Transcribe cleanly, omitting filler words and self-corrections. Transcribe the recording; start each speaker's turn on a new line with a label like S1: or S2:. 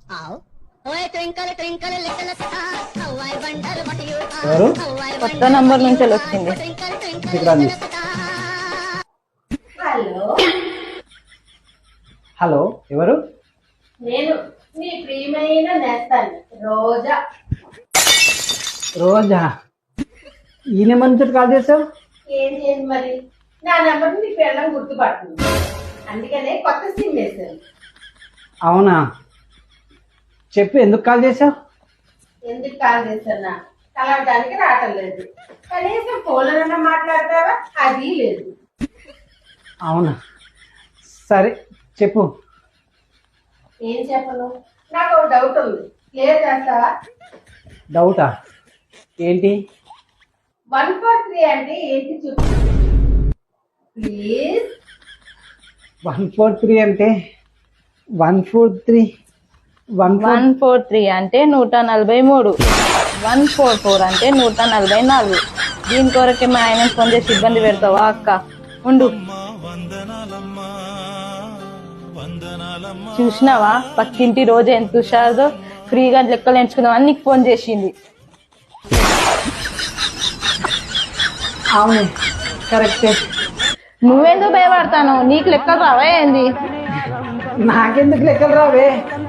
S1: ఎవరు?
S2: కొత్త నంబర్ నుంచి వచ్చింది.
S1: ఇక్కడ రండి.
S3: హలో,
S1: హలో, ఎవరు?
S3: నేను మీ ప్రియమైన నేస్తాను రోజా.
S1: రోజా? ఈ నెంబర్ నుంచి కాల్ చేసావు?
S3: ఏం చేయండి మరి, నా నెంబర్ నీ పిల్లలు గుర్తుపడుతుంది, అందుకనే కొత్త సిమ్ వేసాను.
S1: అవునా, చెప్పు, ఎందుకు కాల్ చేసావు?
S3: ఎందుకు కాల్ చేస్తున్నా, కలవడానికి రావటం లేదు, కనీసం ఫోన్లోనన్నా మాట్లాడతావా, అది లేదు.
S1: అవునా, సరే చెప్పు.
S3: ఏం చెప్పను, నాకు ఒక డౌట్ ఉంది, క్లియర్ చేస్తావా?
S1: డౌటా? ఏంటి?
S3: 143 అంటే ఏంటి చెప్పు ప్లీజ్.
S1: 143 అంటే 143
S2: 143 అంటే 143, 144 అంటే 144. దీని కొరకే మా ఆయన ఫోన్ చేసి ఇబ్బంది పెడతావా అక్క? ఉండు. చూసినావా పక్కింటి రోజు ఎంత హుషారుదో, ఫ్రీగా లెక్కలు ఎంచుకుందామని నీకు ఫోన్ చేసింది.
S1: అవును, కరెక్టే.
S2: నువ్వెందుకు భయపడతాను? నీకు లెక్కలు రావా ఏంది?
S1: నాకెందుకు లెక్కలు రావే?